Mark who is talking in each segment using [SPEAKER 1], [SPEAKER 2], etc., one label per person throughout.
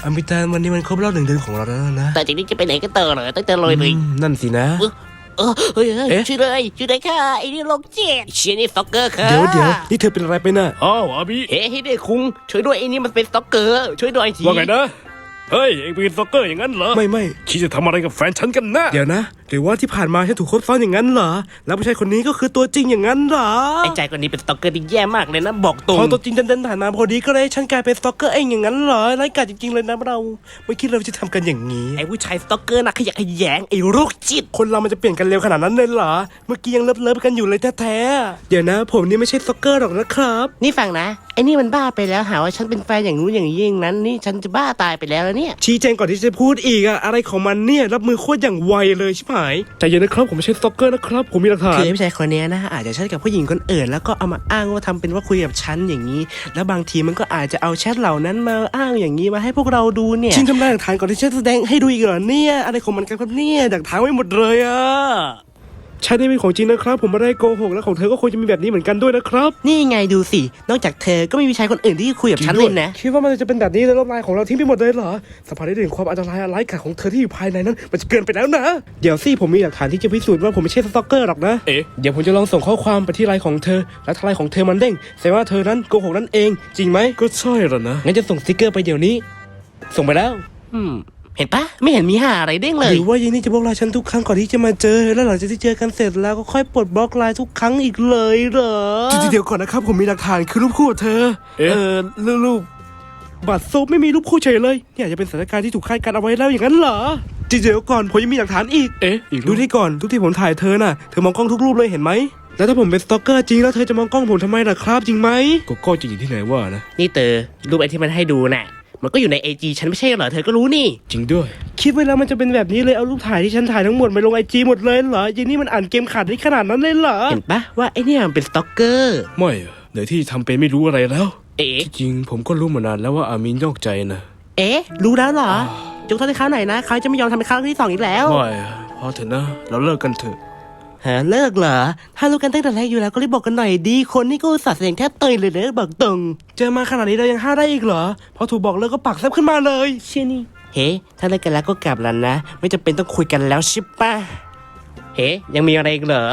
[SPEAKER 1] อมิตาวันนี้มันครบรอบ1 เดือนของเราแล้วนะ
[SPEAKER 2] แต่จากนี้จะไปไหนกันต่อเหรอตั้งแต่ลอยเลย
[SPEAKER 1] นั่นสินะ
[SPEAKER 2] เฮ้ยช่วยเลยค่ะไอ้นี่โรคจิตเชียนี่สต็อกเกอร์ค่ะ
[SPEAKER 1] เดี๋ยวนี่เธอเป็นอะไรไปน่ะ
[SPEAKER 3] อ้าวอาบิ
[SPEAKER 2] เฮ้เด็กคุงช่วยด้วยไอ้นี่มันเป็นสต็อกเกอร์ช่วยด้วยที
[SPEAKER 3] ว่าไงนะเฮ้ยเอ็งเป็นสต็อกเกอร์อย่างนั้นเหรอ
[SPEAKER 1] ไม่
[SPEAKER 3] คิดจะทำอะไรกับแฟนฉันกันนะ
[SPEAKER 1] เดี๋ยวนะหรือว่าที่ผ่านมาฉันถูกคบซ้อนอย่างนั้นเหรอแล้วผู้ชายคนนี้ก็คือตัวจริงอย่างนั้นเหรอ
[SPEAKER 2] ไอ้ใจคนนี้เป็นสต็อกเกอร์ที่แย่มากเลยนะบอกตรง
[SPEAKER 1] พอตัวจริงดันผ่านมาพอดีก็เลยฉันกลายเป็นสต็อกเกอร์เองอย่างนั้นเหรอไร้กาจจริงๆเลยนะเราไม่คิดเราจะทำกันอย่างนี้
[SPEAKER 2] ไอ้ผู้ชายสต็อกเกอร์นะขยะแขยงไอ้โรคจิต
[SPEAKER 1] คนเรามันจะเปลี่ยนกันเร็วขนาดนั้นเลยเหรอเมื่อกี้ยังเลิฟกันอยู่เลยแท้ๆเดี๋ยวนะผมนี่ไม่ใช่สต็อกเกอร์หรอกนะครับ
[SPEAKER 2] นี่ฟังนะไอ้นี่มันบ้าไปแล้วหาว่าฉันเป็นแฟนอย่างนู้นอย่างนี้อย่างนั้นนี่ฉันจะบ้าตายไปแล้วเนี่ย
[SPEAKER 1] ชี้แจงก่อนที่จะพูดอีกอะอะไรของมันเนี่ยรับมือโคตรอย่างไวเลยชิบหายใจเย็นนะครับผมไม่ใช่สต็อกเกอร์นะครับผมมีหลักฐาน
[SPEAKER 2] คือผู้ชายคนนี้นะอาจจะแชทกับผู้หญิงคนอื่นแล้วก็เอามาอ้างว่าทำเป็นว่าคุยกับฉันอย่างนี้แล้วบางทีมันก็อาจจะเอาแชทเหล่านั้นมาอ้างอย่างนี้มาให้พวกเราดูเนี่ย
[SPEAKER 1] ชิงทำลายหลักฐานก่อนที่ฉันแสดงให้ดูอีกเหรอเนี่ยอะไรของมันกันครับเนี่ยดักทางไว้หมดเลยอะใช่ได้เป็นของจริงนะครับผมไม่ได้โกหกแล้วของเธอก็คงจะมีแบบนี้เหมือนกันด้วยนะครับ
[SPEAKER 2] นี่ไงดูสินอกจากเธอก็ไม่มีชายคนอื่นที่คุยกับฉันเลยนะ
[SPEAKER 1] คิดว่ามันจะเป็นแบบนี้แล้วลบลายของเราทิ้งไปหมดเลยเหรอสัมผัสได้ถึงความอันตรายร้ายกาจของเธอที่อยู่ภายในนั้นมันจะเกินไปแล้วนะเดี๋ยวสิผมมีหลักฐานที่จะพิสูจน์ว่าผมไม่ใช่สตอกเกอร์หรอกนะเดี๋ยวผมจะลองส่งข้อความไปที่ไลน์ของเธอแล้วถ้าไลน์ของเธอมันเด้งแสดงว่าเธอนั้นโกหกนั่นเองจริงไหมก็ใช่แล้วนะงั้นจะส่งสติ๊กเกอร์ไปเดี๋ยวนี้ส่งไปแล้ว
[SPEAKER 2] เห็นปะไม่เห็นมีหาอะไรเด้งเลย
[SPEAKER 1] หรือว่ายินนี่จะบล็อกไลน์ฉันทุกครั้งก่อนที่จะมาเจอแล้วหลังจากที่เจอกันเสร็จแล้วก็ค่อยปลดบล็อกไลน์ทุกครั้งอีกเลยเหรอเดี๋ยวก่อนนะครับผมมีหลักฐานคือรูปคู่เธอรูปบัตรโซฟไม่มีรูปคู่เฉยเลยเนี่ยจะเป็นสถานการณ์ที่ถูกคาดการเอาไว้แล้วอย่างนั้นเหรอเดี๋ยวก่อนผมยังมีหลักฐานอีกดูที่ก่อนทุกที่ผมถ่ายเธอน่ะเธอมองกล้องทุกรูปเลยเห็นไหมแล้วถ้าผมเป็นสตอกเกอร์จริงแล้วเธอจะมองกล้องผมทำไมล่ะครับจริงไหมก็จริงที่ไหนว่านะ
[SPEAKER 2] นี่เตอรูปไอ้ที่มันให้ดูน่ะมันก็อยู่ใน IG ฉันไม่ใช่เหรอเธอก็รู้นี่
[SPEAKER 1] จริงด้วยคิดไว้แล้วมันจะเป็นแบบนี้เลยเอารูปถ่ายที่ฉันถ่ายทั้งหมดไปลง IG หมดเลยเหรอยินนี่มันอ่านเกมขาดได้ขนาดนั้นเลยเหรอ
[SPEAKER 2] เห็นปะว่าไอ้นี่มันเป็นสตอกเกอร์
[SPEAKER 1] ไม่เดี๋ยวที่ทำเป็นไม่รู้อะไรแล้วจริงผมก็รู้มานานแล้วว่าอามินนอกใจนะ
[SPEAKER 2] รู้แล้วเหรอจงโทษให้เขาหน่อยนะเขาจะไม่ยอมทำเป็นครั้งที่2อีกแล้ว
[SPEAKER 1] ไม่พอเถอะนะเราเลิกกันเถอะ
[SPEAKER 2] เลิกเหรอถ้ารู้กันตั้งแต่แรกอยู่แล้วก็รีบบอกกันหน่อยดีคนนี่ก็อุตส่าห์แสดงแทบเตยเลยนะบอกตรง
[SPEAKER 1] เจอมาขนาดนี้เรายังห้าได้อีกเหรอพอถูกบอกเลิกก็ปากแซบขึ้นมาเลย
[SPEAKER 2] เชี่ยนี่ถ้าเลิกกันแล้วก็กลับแล้วนะไม่จำเป็นต้องคุยกันแล้วใช่ปะยังมีอะไรอีกเหรอ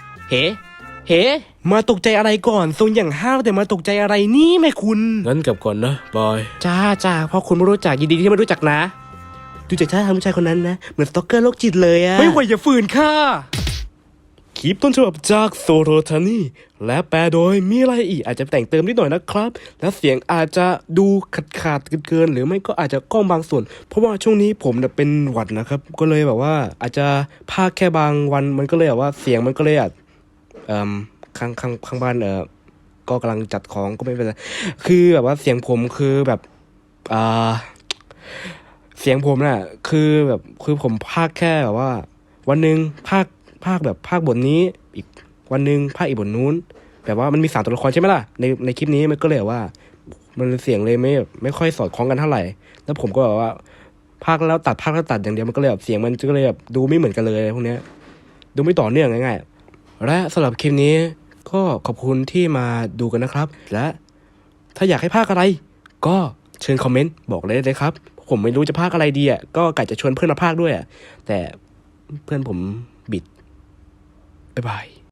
[SPEAKER 1] มาตกใจอะไรก่อนทรงอย่างห้าวแต่มาตกใจอะไรนี่แม่คุณงั้นกลับก่อนนะบาย
[SPEAKER 2] จ้าพอคุณไม่รู้จักยินดีที่ไม่รู้จักนะดูจากท่าทางผู้ชายคนนั้นนะเหมือนสตอกเกอร์โรคจิตเลยอะ
[SPEAKER 1] ไม่ไหวอย่าฝืนค่ะคลิปต้นฉบับจากโซโรทานี่และแปลโดยมีอะไรอีกอาจจะแต่งเติมนิดหน่อยนะครับและเสียงอาจจะดูขาดเกินหรือไม่ก็อาจจะก้องบางส่วนเพราะว่าช่วงนี้ผมเป็นหวัดนะครับก็เลยแบบว่าอาจจะพากแค่บางวันมันก็เลยแบบว่าเสียงมันก็เลยข้างบ้านก็กำลังจัดของก็ไม่เป็นไรคือแบบว่าเสียงผมคือแบบเสียงผมน่ะคือผมพากแค่แบบว่าวันนึงพากแบบพากบทนี้อีกวันนึงพากอีกบทนู้นแบบว่ามันมี3 ตัวละครใช่ไหมล่ะในคลิปนี้มันก็เลยว่ามันเสียงเลยไม่ค่อยสอดคล้องกันเท่าไหร่แล้วผมก็แบบว่าพากแล้วตัดอย่างเดียวมันก็เลยแบบเสียงมันก็เลยแบบดูไม่เหมือนกันเลยพวกเนี้ยดูไม่ต่อเนื่องง่ายๆและสำหรับคลิปนี้ก็ขอบคุณที่มาดูกันนะครับและถ้าอยากให้พากอะไรก็เชิญคอมเมนต์บอกเลยครับผมไม่รู้จะพากอะไรดีก็กะจะชวนเพื่อนมาพากด้วยแต่เพื่อนผมบิดบ๊ายบาย